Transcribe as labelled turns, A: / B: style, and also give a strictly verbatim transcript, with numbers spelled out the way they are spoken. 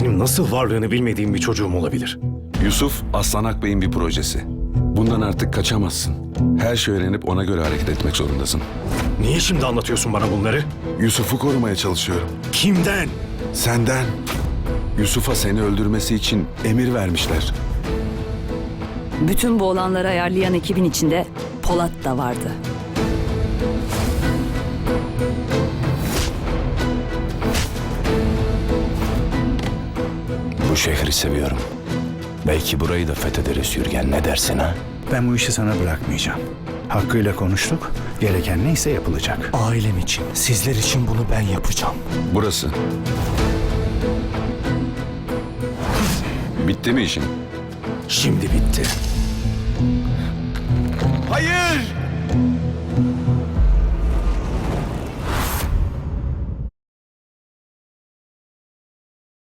A: Benim nasıl varlığını bilmediğim bir çocuğum olabilir?
B: Yusuf, Aslan Akbey'in bir projesi. Bundan artık kaçamazsın. Her şeyi öğrenip ona göre hareket etmek zorundasın.
A: Niye şimdi anlatıyorsun bana bunları?
B: Yusuf'u korumaya çalışıyorum.
A: Kimden?
B: Senden. Yusuf'a seni öldürmesi için emir vermişler.
C: Bütün bu olanları ayarlayan ekibin içinde Polat da vardı.
D: Bu şehri seviyorum. Belki burayı da fethederiz Yürgen, ne dersin ha?
E: Ben bu işi sana bırakmayacağım. Hakkıyla konuştuk. Gereken neyse yapılacak.
D: Ailem için, sizler için bunu ben yapacağım.
B: Burası. Bitti mi işin?
A: Şimdi bitti.
B: Hayır!